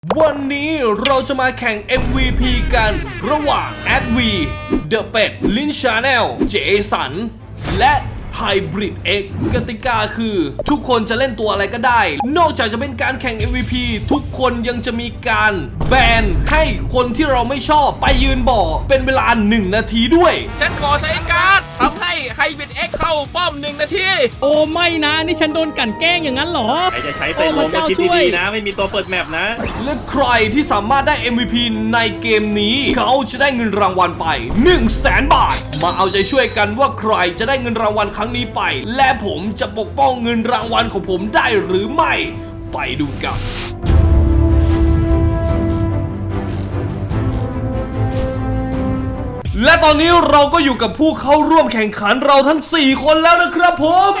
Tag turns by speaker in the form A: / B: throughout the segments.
A: วันนี้เราจะมาแข่ง MVP กันระหว่าง ADV The Pet Lin Channel เจสันและ Hybrid X กติกาคือทุกคนจะเล่นตัวอะไรก็ได้ นอกจากจะเป็นการแข่ง MVP ทุกคนยังจะมีการแบนให้คนที่เราไม่ชอบไปยืนบ่อเป็นเวลา1 นาทีด้วย
B: ฉันขอใช้การ์ดทำให้ไฮบริดเอ็กเข้าป้อม1 นาที
C: โอ้ไม่นะนี่ฉันโดนกลั่นแกล้งอย่างนั้นเหรอ
D: ใครจะใช้ใส่ลมก็คิดดีๆนะไม่มีตัวเปิดแมปนะ
A: และใครที่สามารถได้ MVP ในเกมนี้เขาจะได้เงินรางวัลไป 100,000 บาทมาเอาใจช่วยกันว่าใครจะได้เงินรางวัลครั้งนี้ไปและผมจะปกป้องเงินรางวัลของผมได้หรือไม่ไปดูกันและตอนนี้เราก็อยู่กับผู้เข้าร่วมแข่งขันเราทั้ง4 คนแล้วนะครับผม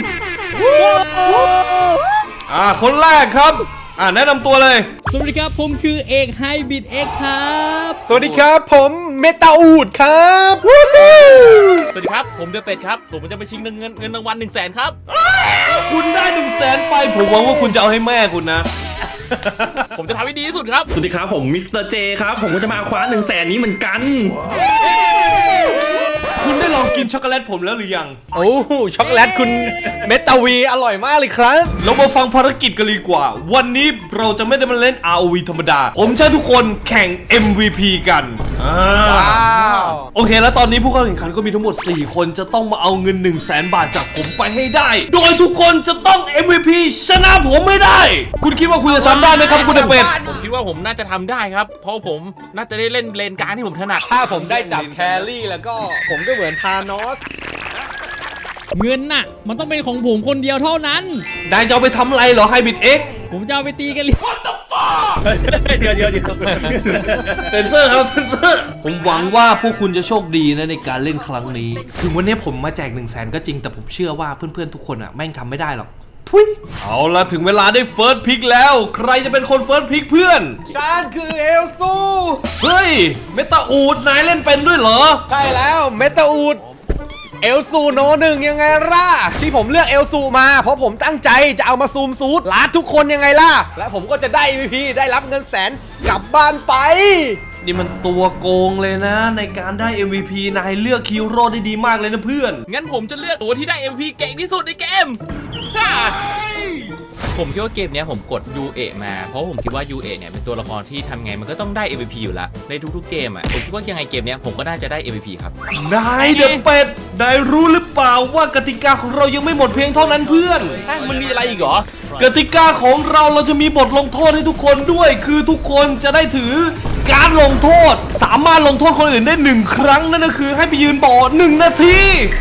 A: คนแรกครับแนะนำตัวเลย
C: สวัสดีครับผมคือเอกไฮบริดเอ็กครับ
E: สวัสดีครับผมเมตาอูดครับ
B: สวัสดีครับผมเดือเป็ดครับผมจะไปชิงเงินรางวัล100,000ครับ
A: คุณได้100,000ไปผมหวังว่าคุณจะเอาให้แม่คุณนะ
B: ผมจะทำให้ดีที่สุดครับ
D: สวัสดีครับผมมิสเตอร์เจครับผมก็จะมาคว้า100,000นี้เหมือนกัน
A: คุณได้ลองกินช็อกโกแลตผมแล้วหรือยัง
E: โอ้ช็อกโกแลตคุณเมตาวีอร่อยมากเลยครับ
A: เรามาฟังภารกิจกันดีกว่าวันนี้เราจะไม่ได้มาเล่น ROV ธรรมดาผมจะให้ทุกคนแข่ง MVP กันโอเคแล้วตอนนี้ผู้เข้าแข่งขันก็มีทั้งหมด4 คนจะต้องมาเอาเงิน100,000 บาทจากผมไปให้ได้โดยทุกคนจะต้อง MVP ชนะผมไม่ได้คุณคิดว่าคุณจะทำได้ไหมครับคุณเป็ด
B: ผมคิดว่าผมน่าจะทำได้ครับเพราะผมน่าจะได้เล่นเลนกลางที่ผมถนัด
E: ถ้าผมได้จับแครี่แล้วก็ผมก็เหมือนธานอส
C: เงินน่ะมันต้องเป็นของผมคนเดียวเท่านั้น
A: นายจะเอาไปทำอะไรเหรอ Hybrid X
C: ผมจะเอาไปตีกันเลย
A: What the fuck เดี๋ยวเซนเซอร์ครับเซนเซอร์ผมหวังว่าพวกคุณจะโชคดีนะในการเล่นครั้งนี้ถึงวันนี้ผมมาแจก100,000ก็จริงแต่ผมเชื่อว่าเพื่อนๆทุกคนแม่งทำไม่ได้หรอกทุยเอาละถึงเวลาได้เฟิร์สพิกแล้วใครจะเป็นคนเฟิร์สพิกเพื่อน
E: ฉันคือเอลซู
A: เฮ้ยเมตาอูดนายเล่นเป็นด้วยเหรอ
E: ใช่แล้วเมตาอูดเอลซูโน1ยังไงล่ะที่ผมเลือกเอลซูมาเพราะผมตั้งใจจะเอามาซูมซูดลาดทุกคนยังไงล่ะและผมก็จะได้ MVP ได้รับเงิน100,000กลับบ้านไป
A: นี่มันตัวโกงเลยนะในการได้ MVP นายเลือกฮีโร่ได้ดีมากเลยนะเพื่อน
B: งั้นผมจะเลือกตัวที่ได้ MVP เก่งที่สุดในเกมผมคิดว่าเกมนี้ผมกด UA มาเพราะผมคิดว่า UA เนี่ยเป็นตัวละครที่ทำไงมันก็ต้องได้ MVP อยู่ละในทุกๆเกมผมคิดว่ายังไงเกมนี้ผมก็น่าจะได้ MVP ครับ
A: นายเดอะเป็ดนายรู้หรือเปล่าว่ากติกาของเรายังไม่หมดเพียงเท่านั้นเพื่อน
B: มันมีอะไรอีกเหรอก
A: ติกาของเราจะมีบทลงโทษให้ทุกคนด้วยคือทุกคนจะได้ถือการลงโทษสามารถลงโทษคนอื่นได้1 ครั้งนั่นก็คือให้ไปยืนบ่อ1 นาที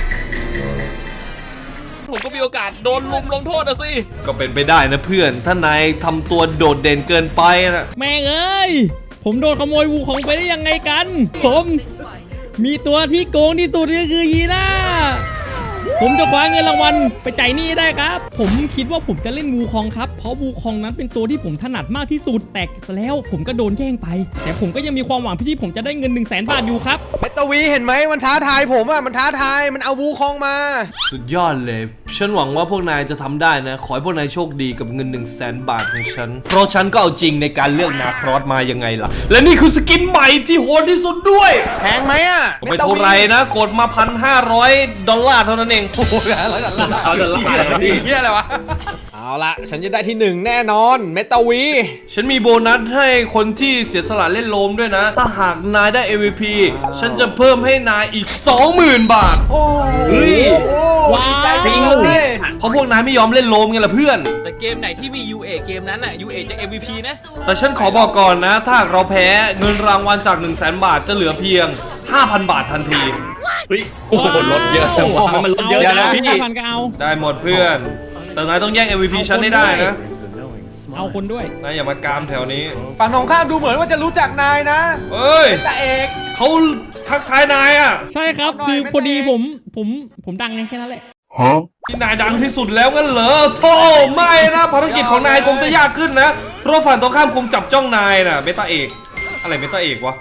B: ผมก็มีโอกาสโดนลงโทษสิ
A: ก็เป็นไปได้นะเพื่อนถ้านายทำตัวโดดเด่นเกินไปนะ
C: แม่งเอ้ยผมโดนขโมยวูของไปได้ยังไงกันผมมีตัวที่โกงที่สุดก็คือยีน่าผมจะคว้าเงินรางวัลไปจ่ายหนี้ได้ครับผมคิดว่าผมจะเล่นวูคองครับเพราะวูคองนั้นเป็นตัวที่ผมถนัดมากที่สุดแต่แล้วผมก็โดนแย่งไปแต่ผมก็ยังมีความหวังที่ผมจะได้เงิน100,000 บาทอยู่ครับ
E: เมตาวีเห็นไหมมันท้าทายผมมันท้าทายมันเอาวูคองมา
A: สุดยอดเลยฉันหวังว่าพวกนายจะทำได้นะขอให้พวกนายโชคดีกับเงิน100,000 บาทของฉันเพราะฉันก็เอาจริงในการเลือกนาครอสมายังไงล่ะและนี่คือสกินใหม่ที่โหดที่สุดด้วย
E: แพงไหม
A: ไม่เท่าไรนะกดมา$1,500เท่านั้นเอง
E: เอาดอลลาร์ดีเหี้ยอะไรวะเอาละฉันจะได้ที่1แน่นอนเมตาวี
A: ฉันมีโบนัสให้คนที่เสียสละเล่นโลมด้วยนะถ้าหากนายได้ MVP ฉันจะเพิ่มให้นายอีก20,000 บาท
E: โอ้ย
C: ว้าว
A: เพราะพวกนายไม่ยอมเล่นโลมไงล่ะเพื่อน
B: แต่เกมไหนที่มี UA เกมนั้นUA จะ MVP นะ
A: แต่ฉันขอบอกก่อนนะถ้าเราแพ้เงินรางวัลจาก100,000 บาทจะเหลือเพียง5,000 บาททันที
D: โอ้โหลดเยอะมันลดเยอะนะพี่
C: 5,000ก็เอา
A: ได้หมดเพื่อนแต่นายต้องแย่ง MVP ฉันให้ได้นะ
C: เอาคนด้วย
A: นายอย่ามากามแถวนี้
E: ฝั่งตรงข้ามดูเหมือนว่าจะรู้จักนายนะ
A: เอ้ย
E: แต่เอก
A: เขาทักทายนาย
C: ใช่ครับคือพอดีผมดังไงแค่นั้นแหละ
A: ที่นายดังที่สุดแล้วงั้นเหรอโธ่ไม่นะภารกิจของนายคงจะยากขึ้นนะเพราะฝั่งตรงข้ามคงจับจ้องนายนะเบต้าเอกอะไรเมตาเอกวะ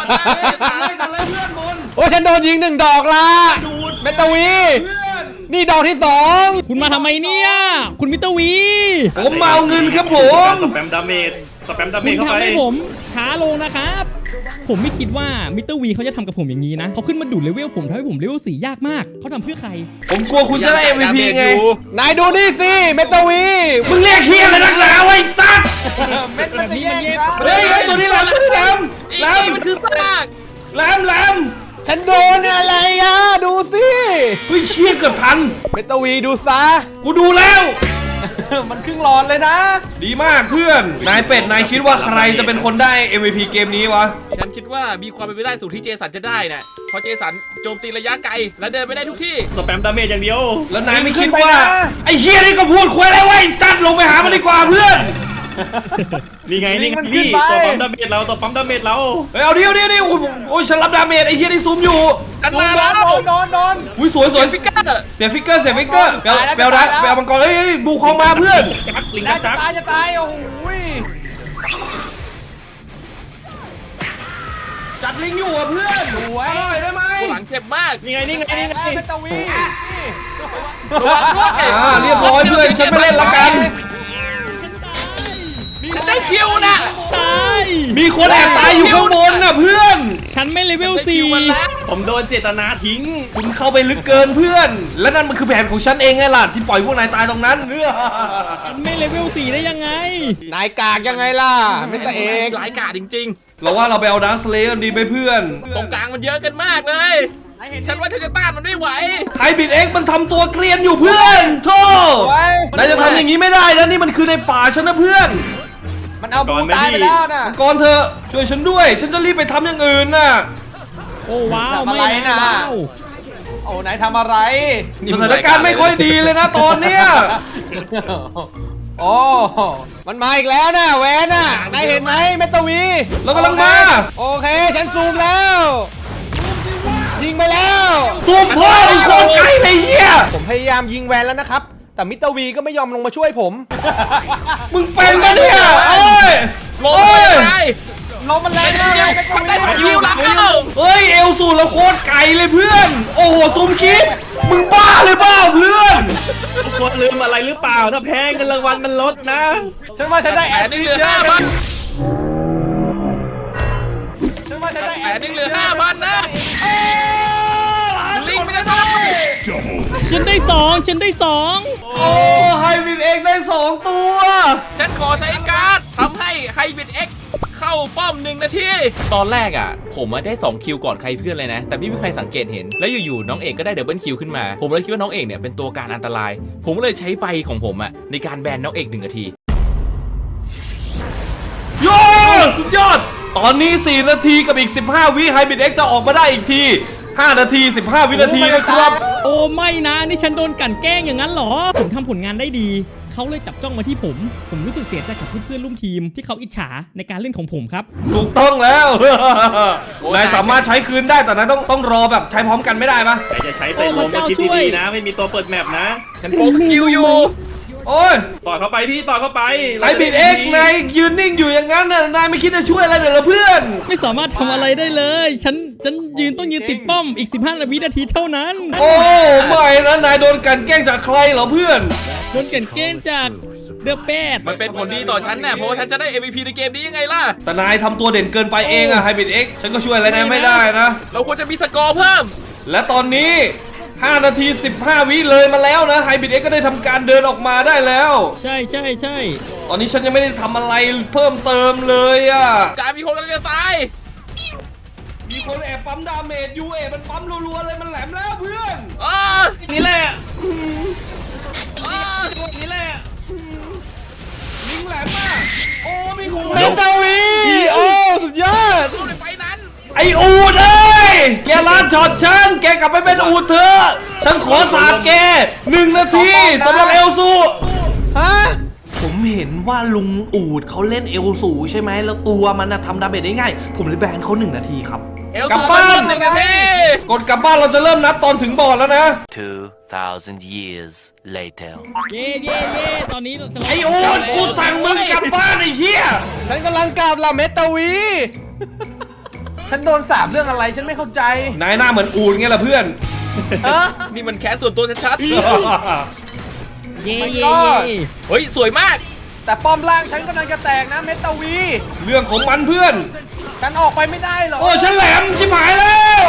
E: โอ้ฉันโดนยิง1 ดอกละเมตาวีนี่ดอกที่2
C: คุณมาทำไมเนี่ยคุณมิตรวี
A: ผมมาเอาเงินครับผม
D: สแปมดาเมจสแปมดาเม
C: คุ
D: จ
C: ณ
D: เข้า
C: ทำ
D: ไป
C: ให้ผมช้าลงนะครับ ผมไม่คิดว่ามิสเตอร์วีเขาจะทำกับผมอย่างนี้นะเขาขึ้นมาดูดเลเวลผมทำให้ผมเลเวล4ยากมากเขาทำเพื่อใคร
A: ผมกลัวคุณจะได้ MVP ไง
E: นายดูนี่สิเมตาวี
A: มึงเรียกเฮียอะไรนักหนาไว้สัตว์
E: เม็ดมันจะแย่งกัน
A: เฮ้ยตัวนี้แหลมตัวนี้แหลม
B: อี
A: แหล
B: ก
A: ม
B: มันคือซาก
A: แหลมแหลม
E: ฉันโดนอะไรอ่ะดูสิ
A: เฮ้ยเชี่ยเกือบทัน
E: เมตาวีดูซะ
A: กูดูแล้ว
E: มันครึ่งหลอดเลยนะ
A: ดีมากเพื่อน นายเป็ด นายคิดว่าใครจะเป็นคนได้ MVP เกมนี้วะ
B: ฉันคิดว่ามีความเป็นไปได้สูงที่เจสันจะได้นะเพราะเจสันโจมตีระยะไกลและเดินไปได้ทุกที่
D: สแปมดาเมจอย่างเดียว
A: แล้วนายไม่คิดว่า ไอ้เฮียนี่ก็พูดคุยอะไรไว้สัตว์ลงไปหามันดีกว่าเพื่อน
D: นี่ไงนี่ไง
E: มันขึ้
D: นี่
E: นไป
D: ตัวปั๊มดาเมจเราตัวปั๊มดาเมจเรา
A: เฮ้ยเอาเดียวโอ้ยฉันรับดาเมจไอ้เฮียนี่ซูมอยู่
B: กันมาแล้ว
E: โดน
A: อุ้ยสวยสวย
B: ฟิกเกอร์
A: เสียฟิกเกอร์เปล
E: ตายแล้ว
A: เปลนะ
E: ตายแล้ว
A: เปลมังกรเฮ้ยบูของมาเพื่อน
D: จักลิง
E: น่า
D: จั
E: จะ
D: ก
E: ตายจะตายโอ้โห
A: จัดลิงอยู่อ่ะเพื่อนสวยได้ไหม
B: ตัวหลังเจ็บมาก
D: นี่ไงนี่ไงนี่ไง
E: เมตาวี
B: ระวังด้วย
A: เรียบร้อยเพื่อนฉันไม่เล่นละกัน
B: ฉันได้คิวนะ
C: ตาย
A: มีคนแอบตายอยู่ข้างบนน่ะเพื่อน
C: ฉันไม่เลเวล
B: ได้คิวมันแล้ว
D: ผมโดนเจตนาทิ้ง
A: คุณเข้าไปลึกเกินเพื่อน และนั่นมันคือแผนของฉันเองไงล่ะที่ปล่อยพวกนายตายตรงนั้นเนื้อ
C: 4ฉันไม่เลเวล4ได้ยังไง
E: นายกากยังไงล่ะเมตาเอก
B: หลายกาดจริง
A: เราว่าเราไปเอาดาร์คสเลย์กันดีไหมเพื่อน
B: ๆ ตรงกลางมันเยอะกันมากเลย ฉันว่าฉันจะต้านมันไม่ไหว
A: ไฮบิดเอ็กมันทำตัวเกรียนอยู่เพื่อนโธ่นายจะทำอย่างนี้ไม่ได้นะนี่มันคือในป่าฉันนะเพื่อน
E: มันเอาบูตายไปแล้วน่ะ
A: ก่อนเธอะช่วยฉันด้วย ฉันจะรีบไปทำอย่างอื่นน่ะ
C: โอ้ว้าว
E: ทำอะไร
C: ไม่
E: น่ะ
C: นะว้าว
E: โอ้นายทำอะไร
A: สถานการณ์ไม่ค่อยดีเลยนะตอนเนี้ย
E: โอ้มันมาอีกแล้วนะแวนน่ะนายเห็นไหมเมตาวี
A: เรากำลังมา
E: โอเคฉันซูมแล้ว ยิงไปแล้ว
A: ซูมพ่อมึงโคตรไกลเลยเฮีย
E: ผมพยายามยิงแวนแล้วนะครับ แต่มิสเตอร์วีก็ไม่ยอมลงมาช่วยผม
A: มึงเป็นปะเนี่ยเอ้ย
B: ลง
A: เอ้ย
B: ไป
E: ลมมันแรงมากเลยเมตาวี
B: ได้คิวแล้ว
A: เฮ้ยเอลสูแล้วโคตรไกลเลยเพื่อน โอ้โหซูมคิดมึงบ้าหรือเปล่าเพื่อน
D: ทุกคนลืมอะไรหรือเปล่าถ้าแพ้เงินรางวัลมันลดนะ
E: ฉันว่าฉันได้แอ
B: แผ
E: ด
B: นนึ
E: ซิ
B: ง
E: ส
B: เหลือ
E: เยอะ
B: 5,000
E: ฉันว่าฉันได้
B: แผนนึงเหลือ5,000นะลิงไม่ได้ด้วย
C: ฉันได้2ฉันได้2
A: โอ้ไฮบิดเองได้2ตัว
B: ฉันขอใช้การ์ดทำให้ไฮบิดเอ็กเข้าป้อม1 นาที ตอนแรกอ่ะ ผมได้2คิวก่อนใครเพื่อนเลยนะ แต่ไม่มีใครสังเกตเห็น แล้วอยู่ๆน้องเอกก็ได้ดับเบิลคิวขึ้นมา ผมเลยคิดว่าน้องเอกเนี่ยเป็นตัวการอันตราย ผมเลยใช้ใบของผมอ่ะในการแบนน้องเอก1 นาที
A: โยสุดยอด ตอนนี้4 นาทีกับอีก15 วิไฮบิดเอ็กจะออกมาได้อีกที5 นาที 15 วินาทีนะครับ
C: โอ้ไม่นะนี่ฉันโดนกลั่นแกล้งอย่างนั้นเหรอ ผมทำผลงานได้ดี เขาเลยจับจ้องมาที่ผมรู้สึกเสียใจกับเพื่อนๆร่วมทีมที่เขาอิจฉาในการเล่นของผมครับ
A: ถูกต้องแล้ว นายสามารถใช้คืนได้แต่นายต้องรอแบบใช้พร้อมกันไม่ได้ปะ
D: ใครจะใช้ใส่ลมก็คิดดีๆนะ ไม่มีตัวเปิดแมปนะ
B: ฉันโปรสกิลอยู่
A: โอ้ย
D: ต่อเข้าไปพี่ต่อเข้าไป
A: ไฮบิดเอ็กนายยืนนิ่งอยู่อย่างนั้นน่ะนายไม่คิดจะช่วยอะไรเลยเหรอเพื่อน
C: ไม่สามารถทำอะไรได้เลย ฉันต้องยืนติดป้อมอีก15 วินาทีเท่านั้น
A: โอ้ไม่นะนายโดนกลันแกล้งจากใครเหรอเพื่อน
C: โดนกลั่นแกล้งจากเดอะแปด
B: มันเป็นผลดีต่อฉันน่ะเพราะว่าฉันจะได้ MVP ในเกมนี้ยังไงล่ะ
A: แต่นายทำตัวเด่นเกินไปเองอะไฮบิดเอ็กฉันก็ช่วยอะไรนายไม่ได้นะ
B: เราควรจะมีสกอร์เพิ่ม
A: และตอนนี้ 5 นาที 15 วิเลยมาแล้วนะไฮบิดเอ็กก็ได้ทำการเดินออกมาได้แล้ว
C: ใช่
A: ตอนนี้ฉันยังไม่ได้ทำอะไรเพิ่มเติมเลยอะ
B: การมีคนกำลังจะตาย
A: มีคนแอบปั๊มดาเมจยูเอมันปั๊มรัวๆเลยมันแหลมแล้วเพื่อน
B: อ้า
D: นี่แหละ
B: อ้า
D: นี่แหละ
A: ลิงแหลมมากโอ้มีคน
E: เมตาวีโอ้สุดยอด
B: สู้ในไฟนั้น
A: ไออูดเอ้ยแกลาดช็อตฉันแกกลับไปเป็นอูดเถอะฉันขอสาดแก1 นาทีสำหรับเอลซู
E: ฮะ
A: ผมเห็นว่าลุงอูดเขาเล่นเอลสูใช่ไหมแล้วตัวมันนะทำดาเมจได้ง่ายผมเลยแบนเขา1 นาทีครับ
B: เอล
A: กลับ
B: ซู
A: บ้าน
B: 1 นาที
A: กดกลับบ้านเราจะเริ่มนับตอนถึงบอร์ดแล้วนะ
F: 2,000 years later.
C: เย่ตอนนี้เราจะ
A: ไออูดกูสั่งมึงกลับบ้านไอ้เหี้ย
E: ฉันกำลังกลับละเมตาวี ฉันโดนสาบเรื่องอะไรฉันไม่เข้าใจ
A: นายหน้าเหมือนอูดไงล่ะเพื่อน
E: ฮะ
B: นี่มันแค้นส่วนตัวชัด
C: เย่
E: ก็
B: ๆเฮ้ย สวยมาก
E: แต่ป้อมล่างฉันกำลังจะแตกนะเมตาวี
A: เรื่องของมันเพื่อน
E: ฉันออกไปไม่ได้หรอ
A: โอ้ฉันแหลมชิบหายแล้ว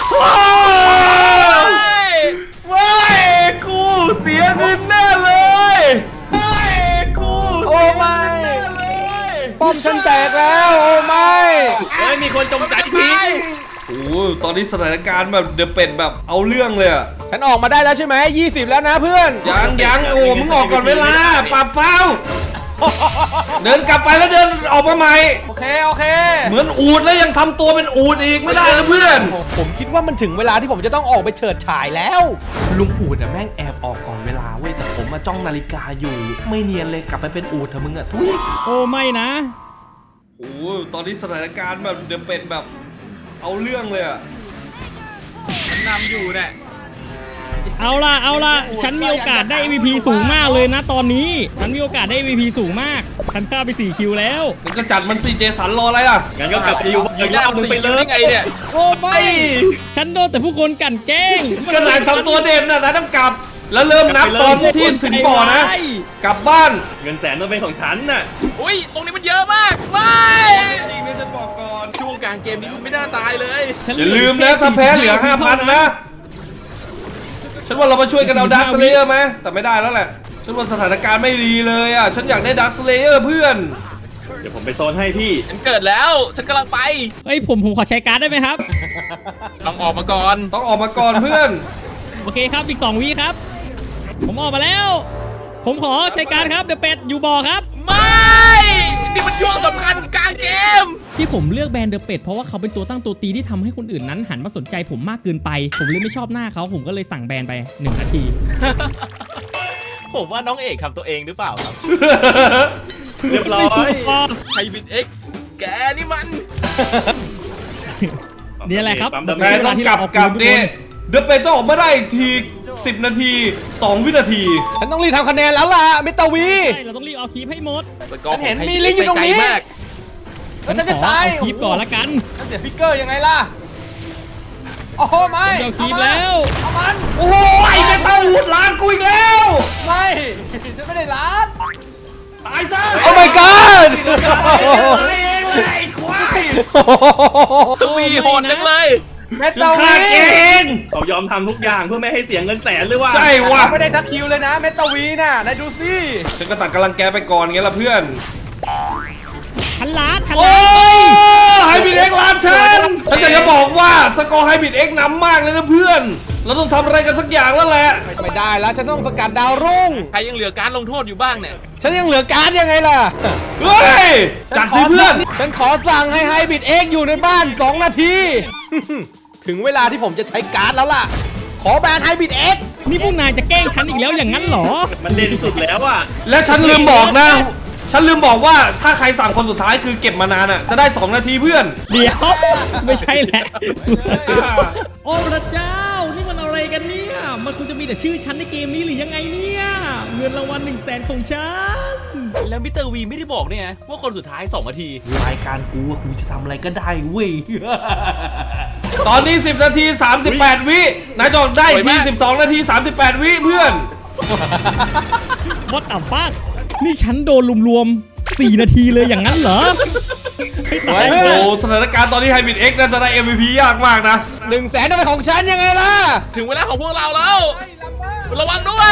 A: ว้ายกูเสียเงินแน่เลยว้ายกู
E: โอ้ไม่ป้อมฉันแตกแล้วโอ้ไม่
D: เฮ้ยมีคนจงใจทิ้ง
A: โอ้ตอนนี้สถานการณ์แบบเดอะเป็ดแบบเอาเรื่องเลยอะ
E: ฉันออกมาได้แล้วใช่ไหม20แล้วนะเพื่อน
A: ยังโอ้มึงออกก่อนเวลาปรับฟาวเดินกลับไปแล้วเดินออกมาใหม่
E: โอเค
A: เหมือนอูดแล้วยังทำตัวเป็นอูดอีกไม่ได้นะเพื่อน
E: ผมคิดว่ามันถึงเวลาที่ผมจะต้องออกไปเฉิดฉายแล้ว
A: ลุงอูดอะแม่งแอบออกก่อนเวลาเว้ยแต่ผมมาจ้องนาฬิกาอยู่ ไม่เนียนเลยกลับไปเป็นอูดเถอะมึงอะทุย
C: โอ้ไม่นะ
A: โอ้ตอนนี้สถานการณ์แบบเดอะเป็ดแบบเอาเรื่องเลยอะ
B: มันนำอยู่เนี่ย
C: เอาล่ะฉันมีโอกาสได้ MVP สูงมากเลยนะตอนนี้ฉันมีโอกาสได้ MVP สูงมากฉันฆ่าไป4คิวแล้ว
A: มันก็จัดมันซีเจสันรออะไรล่ะ
D: งั้นก็กลับไปอยู่อีกรอบนึงไปเลย
B: ได้ไงเนี่ย
C: โอ้ไม่ฉันโดนแต่ผู้คนกลั่นแกล้ง
A: ก็นายทำตัวเด่นนะต้องกลับ แล้วเริ่มนับตอนที่ถึงบ่อนะ กลับบ้าน
D: เงินแสนต้องเป็นของฉันน่ะ
B: อุ้ยตรงนี้มันเยอะมากไม่
A: จริงนะฉันบอกก่อน
B: ช่วงกลางเกมนี้ฉันไม่น่าตายเลย
C: ฉัน
A: อย่าลืมนะถ้าแพ้เหลือ 5,000 นะ ฉันว่าเรามาช่วยกันเอาดักสเลเยอร์ไหมแต่ไม่ได้แล้วแหละ ฉันว่าสถานการณ์ไม่ดีเลยอ่ะ ฉันอยากได้ดักสเลเยอร์เพื่อน
D: เดี๋ยวผมไปโซนให้พี่
B: ฉันเกิดแล้วฉันกำลังไป
C: เฮ้ยผมขอใช้การ์ดได้ไหมครับ
B: ต้องออกมาก่อน
A: ต้องออกมาก่อนเพื่อน
C: โอเคครับอีก2 วิครับ ผมออกมาแล้ว ผมขอใช้การ์ดครับเดอะเป็ดอยู่บ่อครับ
B: ไม่นี่มันช่วงสำคัญกลางเกม
C: ที่ผมเลือกแบรนด์เดอะเป็ดเพราะว่าเขาเป็นตัวตั้งตัวตีที่ทำให้คนอื่นนั้นหันมาสนใจผมมากเกินไป ผมเลยไม่ชอบหน้าเขาผมก็เลยสั่งแบรนด์ไป1 นาที
B: ผมว่าน้องเอกทำตัวเองหรือเปล่าครับ
D: เรียบร้อย
B: ไฮบิดเอ็กแกนี่มัน
C: นี่แหละครับ
A: นายต้องกลับนี่เดอะเป็ดจะออกมาได้อีกที 10 นาที 2 วินาที
E: ฉันต้องรีบทำคะแนนแล้วล่ะเมตาวี
C: ใช่เราต้องรีบเอาคีปให้หมด
E: ฉันเห็นมีลิงก์อยู่ตรงนี้
B: ไกลมาก
C: ฉัน
E: แล้วฉัน
C: ข
E: จะ
C: อ
E: ตาย
C: เอาคีปก่อนละกัน
E: ฉันเสียฟิกเกอร์ยังไงล่ะ โอ้โหไม่
C: ฉันเอาคีปแล้ว
E: เอามัน
A: โอ้โหไอ้เมตาวูดล้านกูอีกแล้ว
E: ไม่ฉันไม่ได้ล้าน
A: ตายซะ
E: โอ้ my god
A: ตายเองเลยไอ้ควาย
B: ทวีโหดจังเลย
E: เม
A: ฉัน
E: ตา
A: ฆ่า
E: วี
A: แกเอง
D: เขายอมทำทุกอย่างเพื่อไม่ให้เสียเงินแสนหรือว่า
A: ใช่ว่ะ
E: ไม่ได้ทักคิวเลยนะเมตาวีน่ะนายดูสิ
A: ฉันก็ตัดกำลังแกไปก่อนไงล่ะเพื่อน
C: ฉันล้าฉัน
A: โอ้
C: ล้า
A: ไฮบิดเอ็กซ์ล้านฉันอยากจะบอกว่าสกอร์ไฮบิดเอ็กซ์นำมากเลยนะเพื่อน เราต้องทำอะไรกันสักอย่างแล้วแหละ
E: ไม่ได้แล้วฉันต้องสกัดดาวรุ่ง
B: ใครยังเหลือการลงโทษอยู่บ้างเนี่ย
E: ฉันยังเหลือการ์ดยังไงล่ะ
A: เฮ้ย จัดสิเพื่อน
E: ฉันขอสั่งให้ไฮบิดเอ็กอยู่ในบ้าน 2 นาที ถึงเวลาที่ผมจะใช้การ์ดแล้วล่ะ ขอแบนไฮบิดเอ็ก
C: นี่พวกนายจะแกล้งฉันอีกแล้วอย่างนั้นเหรอ
D: มันเด่นสุดแล้วอ่ะ
A: และฉันลืมบอกนะ ฉันลืมบอกว่าถ้าใครสั่งคนสุดท้ายคือเก็บมานานอ่ะ จะได้ 2 นาทีเพื่อน
C: เดี๋ยว ไม่ใช่แหละ โอ้พระเจ้า นี่มันอะไรกันเนี่ย มันควรจะมีแต่ชื่อฉันในเกมนี้หรือยังไงเนี่ย เงินรางวัล100,000ของฉัน
B: แล้วมิสเตอร์วีไม่ได้บอกเนี่ยนะว่าคนสุดท้าย2 นาที
A: รายการกูอะกูจะทำอะไรก็ได้เว้ย ตอนนี้ 10 นาที 38 วินายจอดได้
B: สวย
A: ที
B: มาก
A: 12 นาที 38 วิเพื่อน
C: What the fuck นี่ฉันโดนรวมๆ4 นาทีเลยอย่างนั้นเหรอไม่ตาย
A: โอ้โหสถานการณ์ตอนนี้ไฮบิดเอ็กซ์น่าจะได้ MVP ยากมากนะ
E: 100,000ต้องเป็นของฉันยังไงล่ะ
B: ถึงเวลาของพวกเราแล้ว ระวังด้วย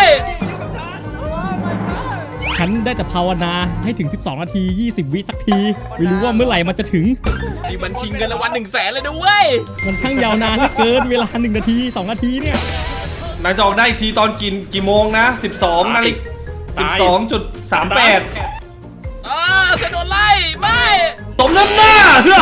C: ฉันได้แต่ภาวนาให้ถึง12 นาที 20 วิสักที ไม่รู้ว่าเมื่อไหร่มันจะถึง
B: นี่มันชิงเงินรางวัล100,000เลยนะเว้ย
C: มันช่างยาวนานเหลือเกินเวลา1 นาที 2 นาทีเนี่ย
A: นายจะออกได้อีกทีตอนกี่โมงนะ 12 นาฬิกา 12.38
B: ฉันโดนไล่ไม่
A: ตบน้ำหน้า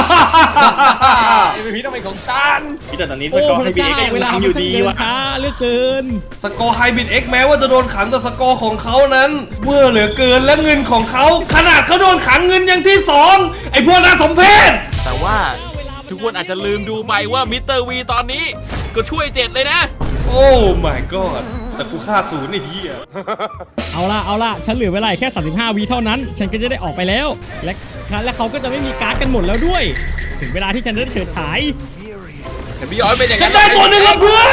E: MVP ต้องเป็นของฉัน
D: พี่แต่ตอนนี้ส
C: โอ้
D: กอร์
C: พ
D: ให้
C: ระ
D: พี่
C: เจ้า
D: เอ็กซ์ก็
C: เวลา
D: ยัง
C: มัน
D: ทำอยู่
C: ช่าง
D: ดี
C: เดิน
D: ว่ะ
C: ช้าเหลือเกิน
A: สกอร์ไฮบิดเอ็กซ์แม้ว่าจะโดนขังแต่สกอร์ของเขานั้นเมื่อเหลือเกินและเงินของเขาขนาดเขาโดนขังเงินอย่างที่ 2 ไอ้พวกน่าสมเพช
B: แต่ว่าทุกคนอาจจะลืมดูไปว่ามิสเตอร์วีตอนนี้ก็ช่วย7เลยนะ
A: โอ้ my god แต่กูฆ่าศูนย์ไอ้เหี้ย
C: เอาล่ะ ฉันเหลือเวลาแค่ 35 วิเท่านั้น ฉันก็จะได้ออกไปแล้ว และเขาก็จะไม่มีการ์ดกันหมดแล้วด้วย ถึงเวลาที่ฉันจะได้เฉิดฉาย
B: แต่พี่ย้อยเป็นอย่าง
A: ฉั
B: นั้น น
A: ได้ตัวหนึ่งแล้วเพื่อน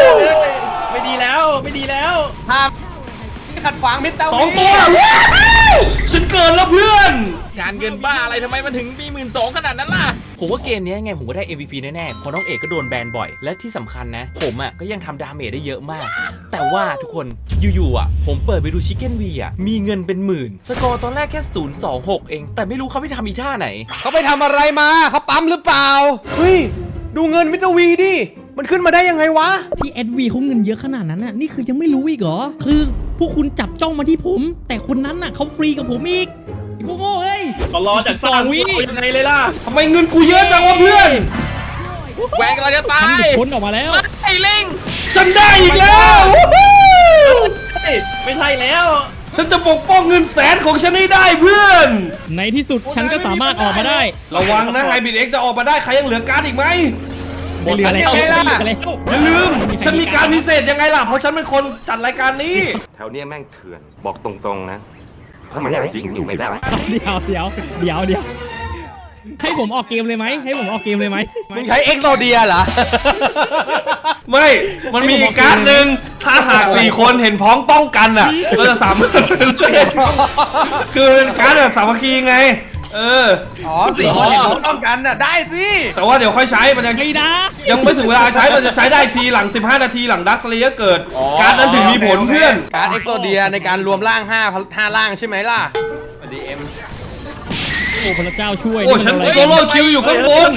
D: ไม่ดีแล้ว ไม่ดีแล้ว
E: ห้ามขัดขวางมิสเตอร์
A: 2 ตัว
E: วี
A: วฉันเกินแล้วเพื่อน
B: การเงินบ้าอะไรทำไมมันถึงมี12,000ขนาดนั้นล่ะผมว่าเกมนี้ยังไงผมก็ได้ MVP แน่ๆเพราะน้องเอกก็โดนแบนบ่อยและที่สำคัญนะผมอ่ะก็ยังทำดาเมจได้เยอะมาก แต่ว่าทุกคนอยู่ๆอ่ะผมเปิดไปดูชิคเก้นวีอ่ะมีเงินเป็นหมื่นสกอร์ตอนแรกแค่026เองแต่ไม่รู้เขาไปทำอีท่าไหน
E: เขาไปทำอะไรมาเขาปั๊มหรือเปล่าเฮ้ยดูเงินมิสเตอร์วีดิมันขึ้นมาได้ยังไงวะ
C: ที่แอดวีเขาเงินเยอะขนาดนั้นน่ะนี่คือยังไม่รู้อีกเหรอคือพวกคุณจับจ้องมาที่ผม แต่คนนั้นน่ะเขาฟรีกับผมอีกไอ้พวกโง่เอ้ย
D: ก็รอจากสร้างวิยังไงเลยล่ะ
A: ทำไมเงินกูเยอะจังวะเพื่อน
B: แหวนกำลังจะตา
C: ฉันห
B: ย
C: ลุดพ้นออกมาแล้ว
B: ไอ้ลิง
A: ฉันได้อีกแล้ววู้ฮู้
D: ไม่ใช่แล้ว
A: ฉันจะปกป้องเงินแสนของฉันให้ได้เพื่อน
C: ในที่สุดฉันก็สามารถออกมาได้
A: ระวังนะไฮบิดเอ็กจะออกมาได้ใครยังเหลือการ์ดอีกไหม
C: ไม่เหลือแล้ว
E: อันนี้ไงล่ะ
C: ไม่เหลือแล้ว
A: อย่าลืม ฉันมีการพิเศษยังไงล่ะ เพราะฉันเป็นคนจัดรายการนี้
G: แถวเนี้ยแม่งเถื่อนบอกตรงๆนะ ถ้ามันจริงอยู่ไม่ได้
C: เดี๋ยวให้ผมออกเกมเลยไหมให้ผมออกเกมเลยไหม
E: มึงใช้เอ็กโซเดียเหรอ
A: ไม่ มันมีอีกการ์ดหนึ่งถ้าหาก4คนเห็นพ้องต้องกันอ่ะเราจะสามารถคือเป็นการ์ดแบบสามัคคีไง
E: อ๋อสี่คนเห็นพ้องต้องกันน่ะได้สิ
A: แต่ว่าเดี๋ยวค่อยใช้มันยัง
C: ไม่ได้
A: ยังไม่ถึงเวลาใช้มันจะใช้ได้ทีหลัง15 นาทีหลังดักสเลเยอร์เกิด การ์ดนั้นถึงมีผลเพื่อน
E: การเอ็กโซเดียในการรวมร่าง5ร่างใช่ไหมล่ะดีเอ็ม
C: โอ้พระเจ้าช่วย
A: โอ้ฉันโซโล่คิวอยู่ข้างบน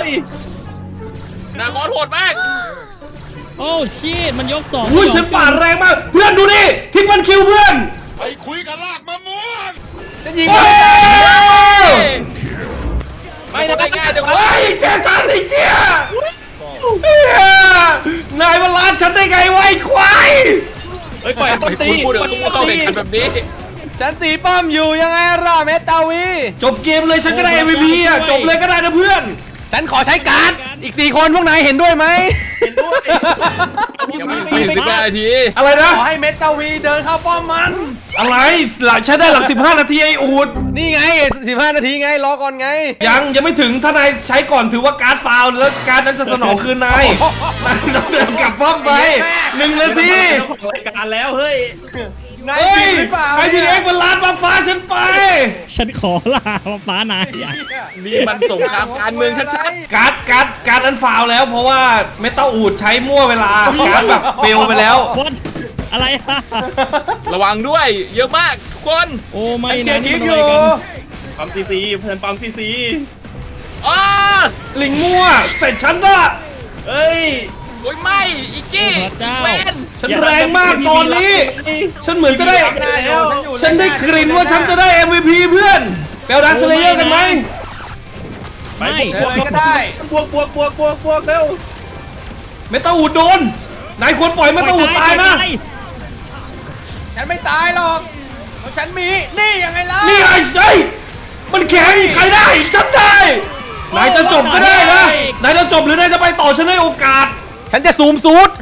B: นาคอโหดมาก
C: โอ้ชีตมันยกสอง
A: อุ้ยฉันปาดแรงมาก เพื่อนดูดิทิ้งมันคิวเพื่อน
E: จะยิง
A: โอ้ย
B: ไม่ได้ง่ายจังวะ
A: ไอ้เจสันไอ้เจี๊ยนายมาล้านฉันได้ไงวะไอ้ควาย
D: เฮ้ยปล่อยต้นตี
B: พูดเดี๋ยวต้องเข้าแข่งขันแบบนี้
E: ฉันตีป้อมอยู่ยังไงล่ะเมตาวี
A: จบเกมเลยฉันก็ได้ MVP อ่ะจบเลยก็ได้นะเพื่อน
E: ฉันขอใช้การ์ดอีก4คนพวกนายเห็นด้วยไหม
B: ยังไม่ถึง15 นาที
A: อะไรนะ
E: ขอให้เมตาวีเดินเข้าป้อมมัน
A: อะไรหลังใช้ได้หลัง15 นาทีไอ้อูด
E: นี่ไง15 นาทีไงรอก่อนไง
A: ยังไม่ถึงถ้านายใช้ก่อนถือว่าการ์ดฟาวล์แล้วการ์ดนั้นจะสนองคืนนายนายต้องเดินกลับป้อมไป1 นาที
D: เจ้าของรายการแล้วเฮ้ย
E: นาย
A: เฮ้ย
E: จริงหรือเปล่า
A: ไอพีเอ็กมันล้านมาฟ้าฉันไป
C: ฉันขอลาฟ้านายอ่ะ
B: นี่มันสงครามการเมืองชัด
A: การ์ดนั้นฟาวล์แล้วเพราะว่าเมตาอูดใช้มั่วเวลาการ์ดแบบเฟลไปแล้ว
C: What? อะไรอะ
B: ๆระวังด้วย เยอะมากทุกคน
C: โอ้ไม่
E: เกีย
C: นะ
E: ร์
C: นี่
E: คิ
C: มั
E: ด
C: น
E: อ
C: อะไร
E: ยู่
C: กัน
D: ปั๊มซีซีเพื่อนปั๊มซีซี
B: อ้า
A: ลิงมั่วเสร็จฉันละ
D: เฮ้ย
B: โอ้ยไม่อีกกี้เวน
A: ฉันแรงมากตอนนี้ ฉันเหมือนจะได้ ฉันได้กลิ่นว่าฉันจะได้ MVP เพื่อนเปลดักสเลเยอร์กันไหม
D: ไป
C: ไม่
D: บวกก็ได้บวกเร็ว
A: เมตาอูดโดนนายควรปล่อยเมตาอูดตายนะ
E: ฉันไม่ตายหรอกเพราะฉันมีนี่ยังไงล่ะ
A: นี่ไอ้ไอ้มันแข็งใครได้ฉันได้นายจะจบก็ได้นะนายจะจบหรือนายจะไปต่อฉันให้โอกาส
E: ฉันจะซูมซูด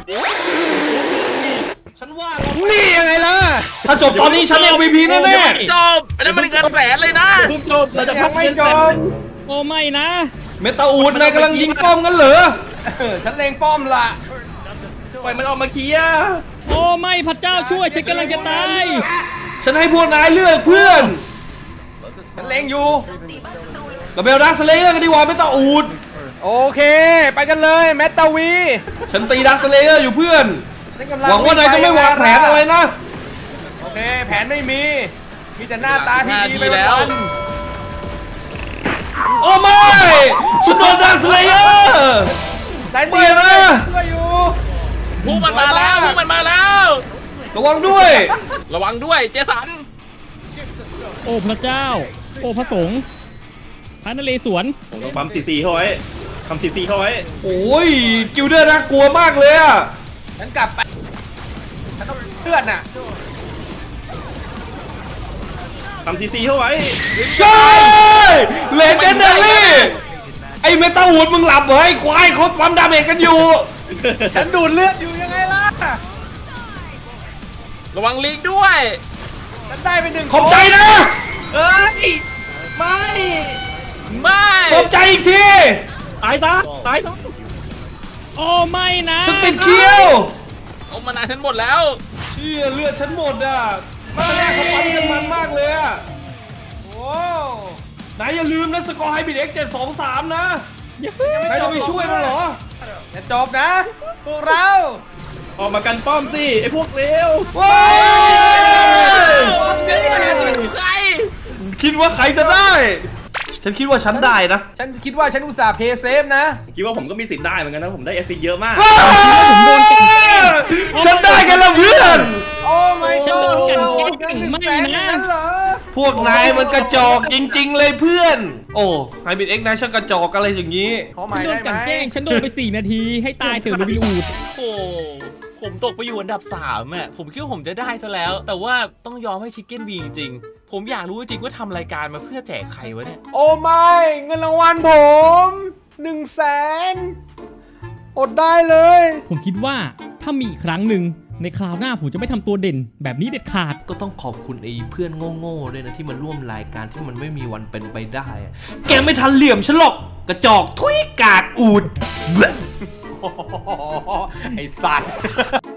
A: ฉันว่า
E: นี่ยังไงล่ะ
A: ถ้าจบตอนนี้ฉัน MVP แน่
B: จบอันนั้นมันเงินแสนเลยนะ
D: ทุบจบเราจะ
E: ยั
D: พั
E: ง
D: ก
E: ไม่
D: เงิน
E: จ
D: แส
E: บ
D: น
C: โอ้ไม่นะ
A: ๆเมตาอูดนายกำลังยิงป้อมกันเหรอ
E: ฉันเลงป้อมล่ะ
D: ปล่อยมันออกมาเคลียร์
C: โอ้ไม่พระเจ้าช่วยฉันกำลังจะตาย
A: ฉันให้พวกนายเลือกเพื่อน
E: ฉันเลงอยู่
A: กับเบลดักสเลเยอร์กันดีกว่าเมตาอูด
E: โอเค ไปกันเลยเมตาวี
A: ฉันตีดักสเลเยอร์อยู่เพื่อน
E: ฉันกำลัง
A: หวังว่านายจะไม่วางแผนอะไรนะ
E: โอเคแผนไม่มีมีแต่หน้าตาที่ดีไป
B: แล้ว
E: วัน
A: โอ้ไม่ฉันโดนดักสเลเยอร์
E: ๆนาย
A: ไม่
E: ตี
A: นะ
E: ช่วยอยู่
B: พวกมันมาแล้วพวกมันมาแล้ว
A: ระวังด้วย
B: ระวังด้วยเจสัน
C: โอ้พระเจ้า โอ้พระสงฆ์พระนเรศวร
D: ผมต้องปั๊มซีซีเข้าไว้ทำซีซีเข้าไว้
A: โอ้ยกิลเดอร์น่ากลัวมากเลยอะ
E: ฉันกลับไปฉันต้องเลื่อนน่ะ
D: ทำซีซีเข้าไว้
A: เฮ้ยเลเจนดารี่ไอเมตาอูดมึงหลับเหรอไอควายเขาปั๊มดาเมจกันอยู่
E: ฉันดูดเลือดอยู่ยังไงล่ะ
B: ระวังลิงด้วย
E: ฉันได้ไป1
A: ขอบใจนะ
D: เฮ้ยไม่
B: ไม่
A: ขอบใจอีกที
D: ตายซะตายซะ
C: โอ้ไม่นะ
A: ฉันติดเคี้ยว
B: เอามานาฉันหมดแล้ว
A: เชี่ยเลือดฉันหมดอ่ะมาแรกเขาปั้นกันมันมากเลยอะโอ้นายอย่าลืมนะสกอร์ไฮบิดเอ็ก7-2-3นะนายจะไปช่วยมันเหรอ
E: จะจบนะพวกเรา
D: ออกมากันป้อมสิไอ้พวกเลว
A: ว้า
B: ใคร
A: คิดว่าใครจะได้ ฉันคิดว่าฉันได้นะ
E: ฉันคิดว่าฉันอุตส่าห์เพย์เซฟนะ
D: คิดว่าผมก็มีสิทธิ์ได้เหมือนกันนะผมได้เอสซีเยอะมาก
A: ฉันได้กันแล้วเพื่อน
E: โอ้ไม่
C: ฉันโดนกลั่นแกล้งไม่นะ
E: เหรอ
A: พวกนายมันกระจอกจริงๆเลยเพื่อน โอ้ไฮบิดเอ็กนายช่างกระจอกอะไรอย่างนี้
E: ขอห
C: ฉั
E: มาน ย
C: โด
E: ได้
C: น
E: ไหม
C: กลั่นแกล้งฉันโดนไป 4 นาทีให้ตายเถอะโรบินอูด
B: โอ้ผมตกไปอยู่อันดับ3อ่ะผมคิดว่าผมจะได้ซะแล้ว แต่ว่าต้องยอมให้ชิคเก้นบีจริงๆผมอยากรู้จริงๆว่าทำรายการมาเพื่อแจกใครวะเนี่ย
E: โอ้ไม่เงินรางวัลผม100,000อดได้เลย
C: ผมคิดว่าถ้ามีอีกครั้งหนึ่งในคราวหน้าผมจะไม่ทำตัวเด่น แบบนี้เด็ดขาด
A: ก็ต้องขอบคุณไอ้เพื่อนโง่ๆด้วยนะที่มาร่วมรายการที่มันไม่มีวันเป็นไปได้อะแกไม่ทันเหลี่ยมฉันหรอกกระจอกทุยกากอูด
E: ไอสัตว์